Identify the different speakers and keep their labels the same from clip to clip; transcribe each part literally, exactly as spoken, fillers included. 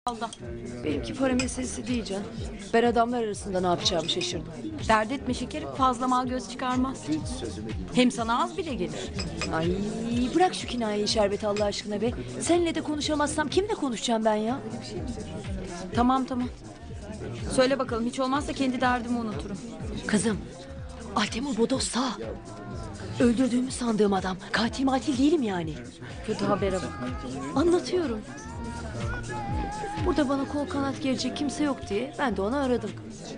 Speaker 1: Allah.
Speaker 2: Benimki para meselesi değil can. Ben adamlar arasında ne yapacağımı şaşırdım.
Speaker 1: Dert etme şekerim, fazla mal göz çıkarmaz. Hem sana az bile gelir.
Speaker 2: Ay bırak şu kinayeyi Şerbet Allah aşkına be. Seninle de konuşamazsam kimle konuşacağım ben ya?
Speaker 1: Tamam tamam. Söyle bakalım, hiç olmazsa kendi derdimi unuturum.
Speaker 2: Kızım, Altemur Bodos sağ. Öldürdüğümü sandığım adam. Katil matil değilim yani.
Speaker 1: Kötü habere bak.
Speaker 2: Anlatıyorum. Burada bana kol kanat gelecek kimse yok diye ben de onu aradım.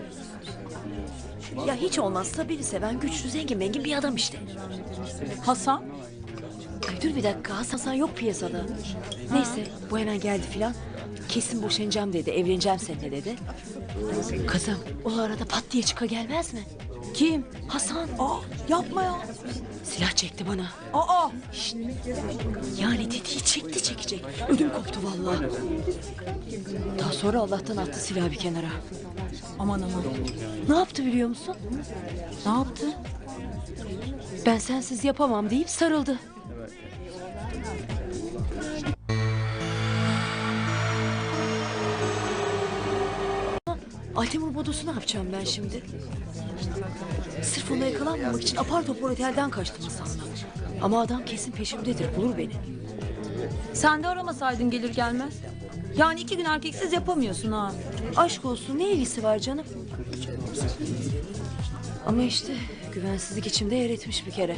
Speaker 2: Ya hiç olmazsa beni seven güçlü zengin mengin bir adam işte.
Speaker 1: Hasan?
Speaker 2: Ay dur bir dakika, Hasan yok piyasada. Neyse bu hemen geldi filan. Kesin boşanacağım dedi, evleneceğim seninle dedi. Kızım o arada pat diye çıka gelmez mi?
Speaker 1: Kim?
Speaker 2: Hasan.
Speaker 1: Aa, yapma ya.
Speaker 2: Silah çekti bana.
Speaker 1: Aa.
Speaker 2: Şşt. Yani dediği çekti çekecek. Ödüm koptu vallahi. Daha sonra Allah'tan attı silahı bir kenara.
Speaker 1: Aman aman.
Speaker 2: Ne yaptı biliyor musun?
Speaker 1: Ne yaptı?
Speaker 2: Ben sensiz yapamam deyip sarıldı. Altemur Bodos'u ne yapacağım ben şimdi? Sırf ona yakalanmamak için apar topar otelden kaçtım Hasan'la. Ama adam kesin peşimdedir, bulur beni.
Speaker 1: Sen de aramasaydın gelir gelmez. Yani iki gün erkeksiz yapamıyorsun ha.
Speaker 2: Aşk olsun, ne ilgisi var canım? Ama işte güvensizlik içimde yer etmiş bir kere.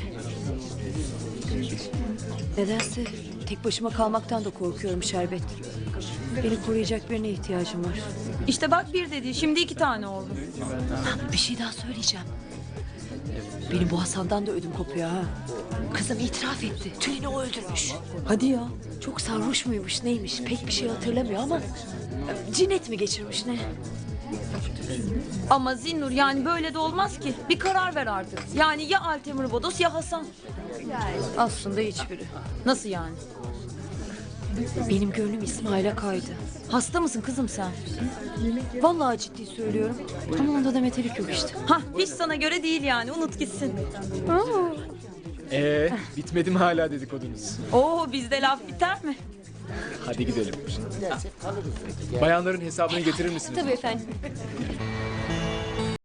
Speaker 2: Nedense tek başıma kalmaktan da korkuyorum Şerbet. Beni koruyacak birine ihtiyacım var.
Speaker 1: İşte bak bir dedi, şimdi iki tane oldu.
Speaker 2: Ha, bir şey daha söyleyeceğim. Benim bu Hasan'dan da ödüm kopuyor ha. Kızım itiraf etti. Tülin'i o öldürmüş.
Speaker 1: Hadi ya.
Speaker 2: Çok sarhoş muymuş neymiş pek bir şey hatırlamıyor ama... ...cinnet mi geçirmiş ne?
Speaker 1: Ama Zinnur, yani böyle de olmaz ki. Bir karar ver artık. Yani ya Altemur Bodos ya Hasan.
Speaker 2: Aslında hiçbiri.
Speaker 1: Nasıl yani?
Speaker 2: Benim gönlüm İsmail'e kaydı.
Speaker 1: Hasta mısın kızım sen?
Speaker 2: Vallahi ciddi söylüyorum. Ama onda da metelik yok işte.
Speaker 1: Hah, hiç sana göre değil yani, unut gitsin.
Speaker 3: Ee, bitmedi mi hala dedikodunuz?
Speaker 1: Oo, bizde laf biter mi?
Speaker 3: Hadi gidelim. Bayanların hesabını getirir misiniz?
Speaker 2: Tabii efendim.